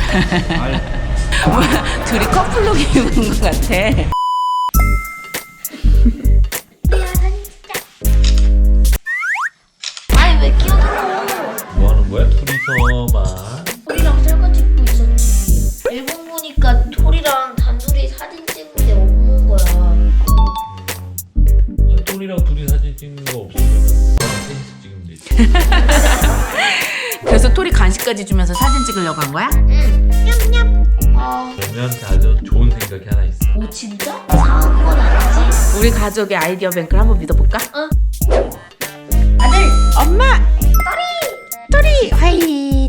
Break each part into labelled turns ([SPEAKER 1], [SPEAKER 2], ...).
[SPEAKER 1] 뭐야, 둘이 커플룩 입은 것 같아.
[SPEAKER 2] 아니 왜 끼어들어?
[SPEAKER 3] 뭐 하는 거야? 둘이서만.
[SPEAKER 2] 토리랑 셀카 찍고 있었지. 앨범 보니까 토리랑 단둘이 사진 찍는데 없는 거야.
[SPEAKER 3] 똘이랑 둘이 사진 찍는 거 없으면 저랑 셋이서 찍으면 되지.
[SPEAKER 1] 그래서 토리 간식까지 주면서 사진 찍으려고 한 거야?
[SPEAKER 2] 응. 냠냠. 아,
[SPEAKER 3] 우리한테 아주 좋은 생각이 하나 있어.
[SPEAKER 2] 오 진짜? 사은 건 아니지?
[SPEAKER 1] 우리 가족의 아이디어 뱅크를 한번 믿어볼까?
[SPEAKER 2] 아들.
[SPEAKER 1] 엄마! 토리 화이팅!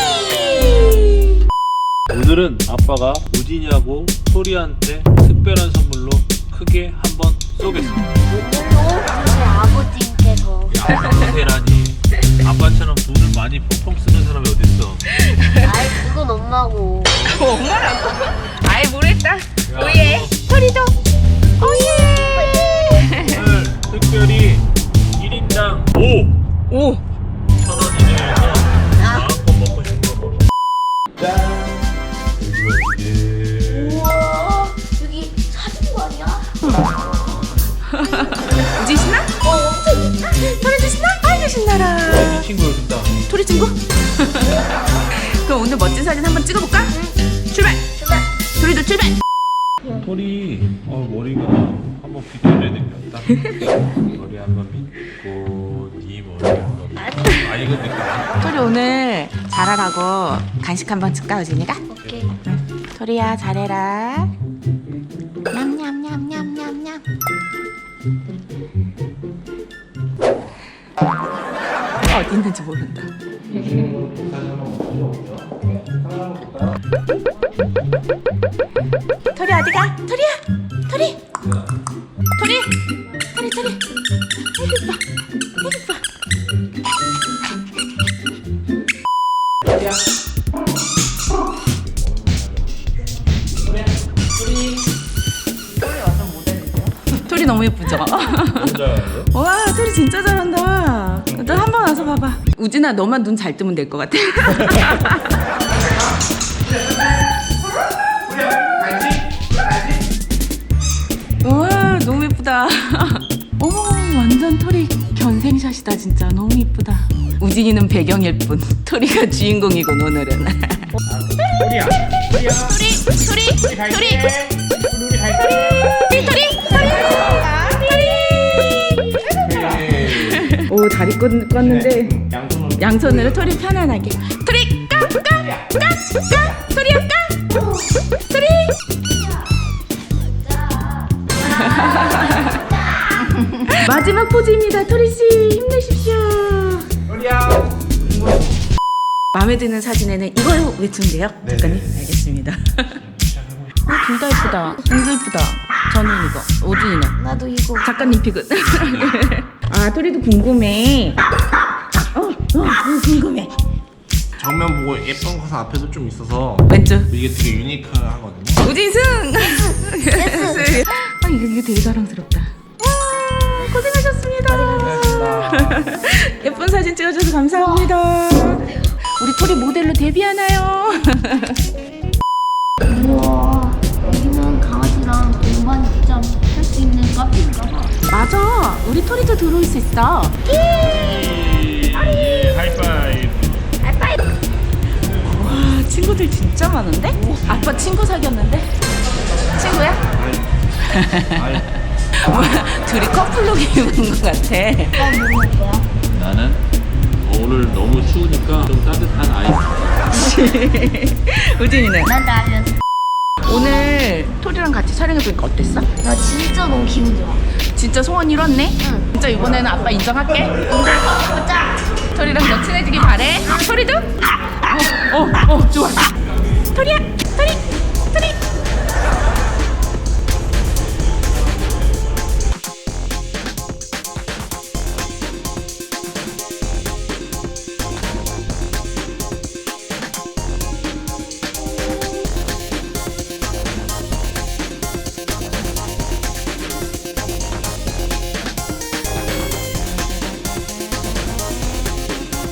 [SPEAKER 3] 오늘은 아빠가 우진이하고 토리한테 특별한 선물로 크게 한번 쏘겠습니다.
[SPEAKER 2] 오늘도 우리 아버지께서.
[SPEAKER 3] 아버지라니. 아빠처럼 돈을 많이 펑펑 쓰는 사람이 어딨어.
[SPEAKER 2] 아이 그건 엄마고.
[SPEAKER 1] 엄마라고? 아이 모르겠다.
[SPEAKER 3] 야,
[SPEAKER 1] 오예. 토리도 오예.
[SPEAKER 3] 오늘 특별히 1인당 5
[SPEAKER 1] 오.
[SPEAKER 3] 1,000원 이내에서 마음껏 먹고 싶은 거 먹어. 짠!
[SPEAKER 2] 우와 여기 사진관이야?
[SPEAKER 1] 우진 신나?
[SPEAKER 2] 엄청 있다.
[SPEAKER 1] 토리도 신나? 아이고 신나라.
[SPEAKER 3] 네 친구 여기다.
[SPEAKER 1] 토리 친구? 그럼 오늘 멋진 사진 한번 찍어볼까? 출발.
[SPEAKER 2] 출발.
[SPEAKER 1] 토리도 출발.
[SPEAKER 3] 토리 머리가 한번 비틀려야 되겠다. 머리 한번 믿고 네 머리 한번. 아니 근데
[SPEAKER 1] 토리 오늘 잘하라고 간식 한번 줄까 우진이가?
[SPEAKER 2] 오케이.
[SPEAKER 1] 토리야 잘해라. 냠냠냠냠냠냠. 어디 있는지 모른다. 토리 어디가? 토리야. 토리. 토리. 토리 토리. 아이고 이뻐. 아이고 이뻐. 토리 너무 예쁘죠?
[SPEAKER 3] 혼자요?
[SPEAKER 1] 와 토리 진짜 잘한다. 너 한 번 와서 봐봐. 우진아 너만 눈 잘 뜨면 될 것 같아. 와 너무 예쁘다. 어머 완전 토리 견생샷이다 진짜. 너무 예쁘다. 우진이는 배경일 뿐 토리가 주인공이군 오늘은.
[SPEAKER 3] 토리야.
[SPEAKER 1] 토리 토리 토리 토리 오 다리 껐는데 양손으로 토리 편안하게. 토리 까까까까 토리야 까 토리. 마지막 포즈입니다. 토리 씨 힘내십시오.
[SPEAKER 3] 토리야.
[SPEAKER 1] 마음에 드는 사진에는 이걸 외치면 돼요. 작가님 알겠습니다. 둘 다 예쁘다. 이거 예쁘다. 저는 이거. 오준이는
[SPEAKER 2] 나도 이거.
[SPEAKER 1] 작가님 픽은. 아 토리도 궁금해. 궁금해.
[SPEAKER 4] 정면 보고 예쁜 거사 앞에도 좀 있어서
[SPEAKER 1] 왼쪽.
[SPEAKER 4] 이게 되게 유니크하거든요.
[SPEAKER 1] 우진 승. 예스. 아 이거 되게 자랑스럽다. 와, 고생하셨습니다. 예쁜 사진 찍어줘서 감사합니다. 우리 토리 모델로 데뷔하나요?
[SPEAKER 2] 우와 여기는 강아지랑 동반 입장 할 수 있는 카페인가 봐.
[SPEAKER 1] 맞아. 우리 토리도 들어올 수 있어.
[SPEAKER 3] 하이파이브.
[SPEAKER 1] 와 친구들 진짜 많은데? 아빠 친구 사귀었는데? 친구야? 뭐야 둘이 커플룩 입은 것 같아.
[SPEAKER 2] 오빠 뭐 먹을 거야?
[SPEAKER 3] 나는 오늘 너무 추우니까 좀 따뜻한 아이스.
[SPEAKER 1] 우진이는?
[SPEAKER 2] 난 라면.
[SPEAKER 1] 오늘 토리랑 같이 촬영해보니까 어땠어?
[SPEAKER 2] 나 진짜 너무 기분 좋아.
[SPEAKER 1] 진짜 소원 이뤘네?
[SPEAKER 2] 응.
[SPEAKER 1] 진짜 이번에는 아빠 인정할게.
[SPEAKER 2] 보자.
[SPEAKER 1] 토리랑 너 친해지길 바래. 토리도? 좋아. 토리야, 토리.